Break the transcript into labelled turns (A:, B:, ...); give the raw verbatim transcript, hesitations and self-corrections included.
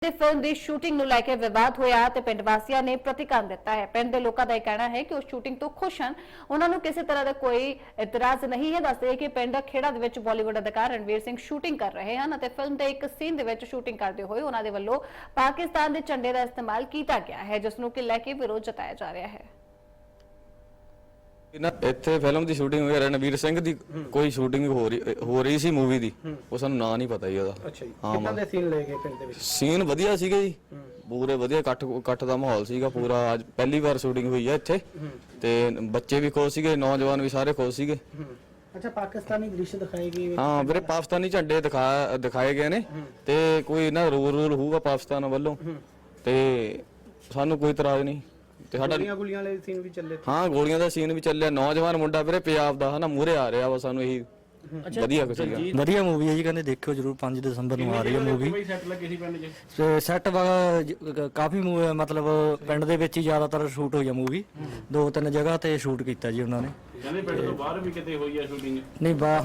A: Film की shooting ਨੂੰ ਲੈ ਕੇ ਵਿਵਾਦ ਹੋਇਆ ਤੇ ਪਿੰਡ ਵਾਸੀਆਂ ਨੇ ਪ੍ਰਤੀਕਰਮ ਦਿੱਤਾ ਹੈ। ਪਿੰਡ ਦੇ ਲੋਕਾਂ ਦਾ ਇਹ ਕਹਿਣਾ ਹੈ ਕਿ ਉਹ ਸ਼ੂਟਿੰਗ ਤੋਂ ਖੁਸ਼ ਹਨ, ਉਹਨਾਂ ਨੂੰ ਕਿਸੇ ਤਰ੍ਹਾਂ ਦਾ ਕੋਈ ਇਤਰਾਜ਼ ਨਹੀਂ ਹੈ। ਦੱਸਦੇ ਕਿ ਪਿੰਡ ਖੇੜਾ ਦੇ ਵਿੱਚ ਬਾਲੀਵੁੱਡ ਅਦਾਕਾਰ ਰਣਵੀਰ ਸਿੰਘ ਸ਼ੂਟਿੰਗ ਕਰ ਰਹੇ ਹਨ ਅਤੇ ਫਿਲਮ ਦੇ ਇੱਕ ਸੀਨ ਦੇ ਵਿੱਚ ਸ਼ੂਟਿੰਗ ਕਰਦੇ ਹੋਏ ਉਹਨਾਂ ਦੇ ਵੱਲੋਂ ਪਾਕਿਸਤਾਨ ਦੇ ਝੰਡੇ ਦਾ ਇਸਤੇਮਾਲ ਕੀਤਾ ਗਿਆ ਹੈ, ਜਿਸ ਨੂੰ ਕਿ ਲੈ ਕੇ ਵਿਰੋਧ ਜਤਾਇਆ ਜਾ ਰਿਹਾ ਹੈ।
B: ਇੱਥੇ ਫਿਲਮ ਦੀ ਸ਼ੂਟਿੰਗ ਹੋਈ ਰਣਵੀਰ ਸਿੰਘ ਦੀ ਕੋਈ ਸ਼ੂਟਿੰਗ ਹੋ ਰਹੀ ਹੋ ਰਹੀ ਸੀ ਮੂਵੀ ਦੀ, ਉਹ ਸਾਨੂੰ ਨਾਂ ਨਹੀਂ ਪਤਾ ਜੀ ਉਹਦਾ।
C: ਅੱਛਾ ਜੀ, ਕਿੱਦਾਂ ਦੇ ਸੀਨ ਲੈ ਗਏ ਪਿੰਡ ਦੇ ਵਿੱਚ?
B: ਸੀਨ ਵਧੀਆ ਸੀਗੇ ਜੀ, ਪੂਰੇ ਵਧੀਆ ਇਕੱਠ ਇਕੱਠ ਦਾ ਮਾਹੌਲ ਸੀਗਾ ਪੂਰਾ। ਅੱਜ ਪਹਿਲੀ ਵਾਰ ਸ਼ੂਟਿੰਗ ਹੋਈ ਹੈ ਇੱਥੇ ਤੇ ਬੱਚੇ ਵੀ ਖੁਸ਼ ਸੀਗੇ, ਨੌਜਵਾਨ ਵੀ ਸਾਰੇ ਖੁਸ਼ ਸੀਗੇ।
C: ਅੱਛਾ, ਪਾਕਿਸਤਾਨੀ ਦ੍ਰਿਸ਼ ਦਿਖਾਏ ਗਏ?
B: ਹਾਂ ਵੀਰੇ, ਪਾਕਿਸਤਾਨੀ ਝੰਡੇ ਦਿਖਾ ਦਿਖਾਏ ਗਏ ਨੇ ਤੇ ਕੋਈ ਨਾ ਰੂਲ ਰੂਲ ਹੋਊਗਾ ਪਾਕਿਸਤਾਨ ਵੱਲੋਂ ਤੇ ਸਾਨੂੰ ਕੋਈ ਇਤਰਾਜ਼ ਨਹੀਂ। ਤੇ ਸਾਡਾ
C: ਗੋਲੀਆਂ ਗੋਲੀਆਂ ਵਾਲੇ ਸੀਨ ਵੀ ਚੱਲੇ?
B: ਹਾਂ, ਗੋਲੀਆਂ ਦਾ ਸੀਨ ਵੀ ਚੱਲਿਆ। ਨੌਜਵਾਨ ਮੁੰਡਾ ਵੀਰੇ ਪੰਜਾਬ ਦਾ ਹਨਾ ਮੂਹਰੇ ਆ ਰਿਹਾ ਵਾ, ਸਾਨੂੰ ਇਹੀ ਵਧੀਆ ਕੁਝ ਸੀਗਾ।
D: ਵਧੀਆ ਮੂਵੀ ਹੈ ਜੀ, ਕਹਿੰਦੇ ਦੇਖਿਓ ਜਰੂਰ। ਪੰਜ ਦਸੰਬਰ ਨੂੰ ਆ ਰਹੀ ਹੈ ਮੂਵੀ।
C: ਸੈੱਟ ਲੱਗੇ ਸੀ ਪਿੰਡ 'ਚ?
D: ਸੈੱਟ ਕਾਫੀ ਮਤਲਬ ਪਿੰਡ ਦੇ ਵਿੱਚ ਹੀ ਜ਼ਿਆਦਾਤਰ ਸ਼ੂਟ ਹੋਈ ਆ ਮੂਵੀ। ਦੋ ਤਿੰਨ ਜਗ੍ਹਾ ਤੇ ਸ਼ੂਟ ਕੀਤਾ ਜੀ ਉਹਨਾਂ ਨੇ।
E: ਕਹਿੰਦੇ ਪਿੰਡ ਤੋਂ ਬਾਹਰ ਵੀ ਕਿਤੇ ਹੋਈ ਆ ਸ਼ੂਟਿੰਗ?
D: ਨਹੀਂ ਬਾ